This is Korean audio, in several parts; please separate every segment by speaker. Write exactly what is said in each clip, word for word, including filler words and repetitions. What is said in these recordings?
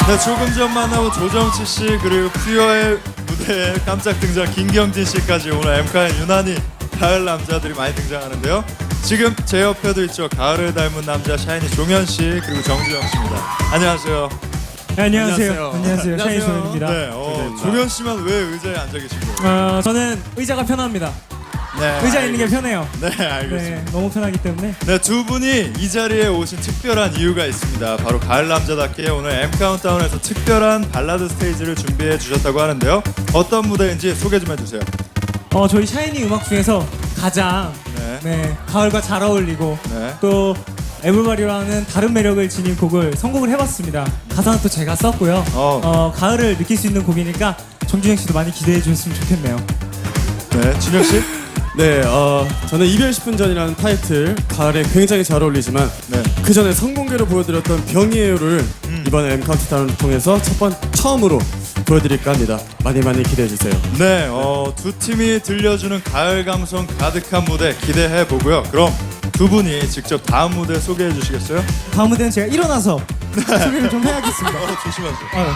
Speaker 1: 네, 조금 전 만나본 조정치 씨 그리고 퓨어의 무대에 깜짝 등장 김경진 씨까지 오늘 엠카엔 유난히 가을 남자들이 많이 등장하는데요. 지금 제 옆에도 있죠. 가을을 닮은 남자 샤이니 종현 씨 그리고 정주영 씨입니다. 안녕하세요.
Speaker 2: 네, 안녕하세요.
Speaker 3: 안녕하세요.
Speaker 2: 안녕하세요. 샤이니
Speaker 3: 안녕하세요.
Speaker 2: 종현입니다.
Speaker 1: 네, 어, 종현 씨만 왜 의자에 앉아 계신 거예요?
Speaker 2: 어, 저는 의자가 편합니다.
Speaker 1: 네,
Speaker 2: 의자에 있는 게 편해요.
Speaker 1: 네, 알겠습니다.
Speaker 2: 네, 너무 편하기 때문에.
Speaker 1: 네, 두 분이 이 자리에 오신 특별한 이유가 있습니다. 바로 가을 남자답게 오늘 M 카운트다운에서 특별한 발라드 스테이지를 준비해 주셨다고 하는데요. 어떤 무대인지 소개 좀 해주세요.
Speaker 2: 어, 저희 샤이니 음악 중에서 가장
Speaker 1: 네,
Speaker 2: 네, 가을과 잘 어울리고
Speaker 1: 네.
Speaker 2: 또 에브리바디라는 다른 매력을 지닌 곡을 선곡을 해봤습니다. 가사는 또 제가 썼고요.
Speaker 1: 어.
Speaker 2: 어, 가을을 느낄 수 있는 곡이니까 정준영 씨도 많이 기대해 주셨으면 좋겠네요.
Speaker 1: 네, 준혁 씨.
Speaker 3: 네, 어, 저는 이별 십 분 전이라는 타이틀 가을에 굉장히 잘 어울리지만
Speaker 1: 네.
Speaker 3: 그 전에 성공개로 보여드렸던 병이에요를
Speaker 1: 음.
Speaker 3: 이번에 M 카운트다운을 통해서 첫 번 처음으로 보여드릴까 합니다. 많이 많이 기대해 주세요.
Speaker 1: 네, 어, 두 팀이 들려주는 가을 감성 가득한 무대 기대해 보고요. 그럼 두 분이 직접 다음 무대 소개해 주시겠어요?
Speaker 2: 다음 무대는 제가 일어나서 소개를 좀 해야겠습니다.
Speaker 1: 어, 조심하세요.
Speaker 2: 어.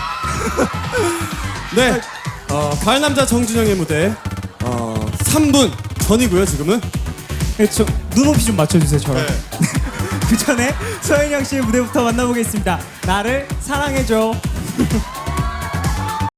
Speaker 3: 네, 어, 가을 남자 정준영의 무대 어, 삼 분 전이고요. 지금은
Speaker 2: 네, 저 눈높이 좀 맞춰주세요, 저랑.
Speaker 1: 네.
Speaker 2: 그 전에 서현영 씨의 무대부터 만나보겠습니다. 나를 사랑해줘.